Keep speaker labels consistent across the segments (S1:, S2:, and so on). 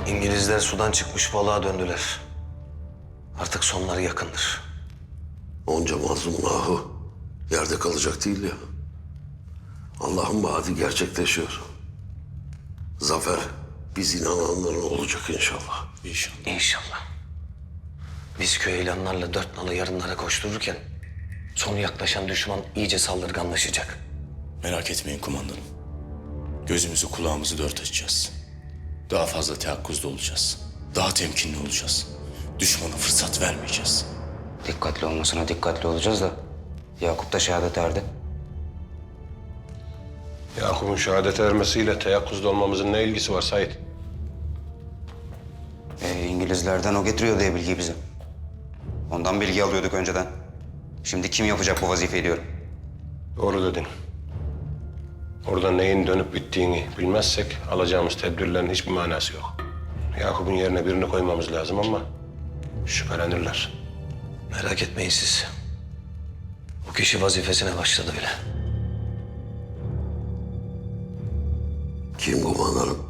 S1: İngilizler sudan çıkmış balığa döndüler. Artık sonları yakındır.
S2: Onca mazlumun ahı yerde kalacak değil ya. Allah'ın vaadi gerçekleşiyor. Zafer biz inananların olacak inşallah.
S3: İnşallah.
S1: İnşallah. Biz köy ilanlarla dört nalı yarınlara koştururken sonu yaklaşan düşman iyice saldırganlaşacak.
S3: Merak etmeyin kumandanım. Gözümüzü kulağımızı dört açacağız. Daha fazla teyakkuzda olacağız. Daha temkinli olacağız. Düşmana fırsat vermeyeceğiz.
S4: Dikkatli olmasına dikkatli olacağız da Yakup da şehadet erdi.
S5: Yakup'un şehadete ermesiyle teyakkuzda olmamızın ne ilgisi var Sait?
S4: İngilizlerden o getiriyor diye bilgiyi bize. Ondan bilgi alıyorduk önceden. Şimdi kim yapacak bu vazifeyi diyorum.
S5: Doğru dedin. Orada neyin dönüp bittiğini bilmezsek alacağımız tedbirlerin hiçbir manası yok. Yakup'un yerine birini koymamız lazım ama şüphelenirler.
S1: Merak etmeyin siz. Bu kişi vazifesine başladı bile.
S2: Kim kumandanım?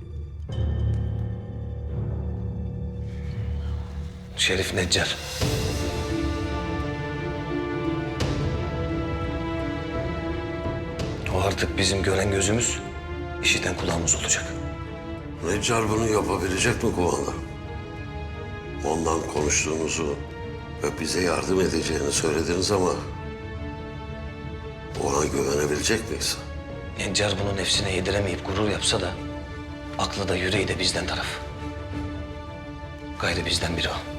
S1: Şerif Neccar. O artık bizim gören gözümüz, işiten kulağımız olacak.
S2: Neccar bunu yapabilecek mi kumandanım? Ondan konuştuğunuzu ve bize yardım edeceğini söylediniz ama ona güvenebilecek miyiz?
S1: Neccar bunu nefsine yediremeyip gurur yapsa da aklı da yüreği de bizden taraf. Gayrı bizden biri o.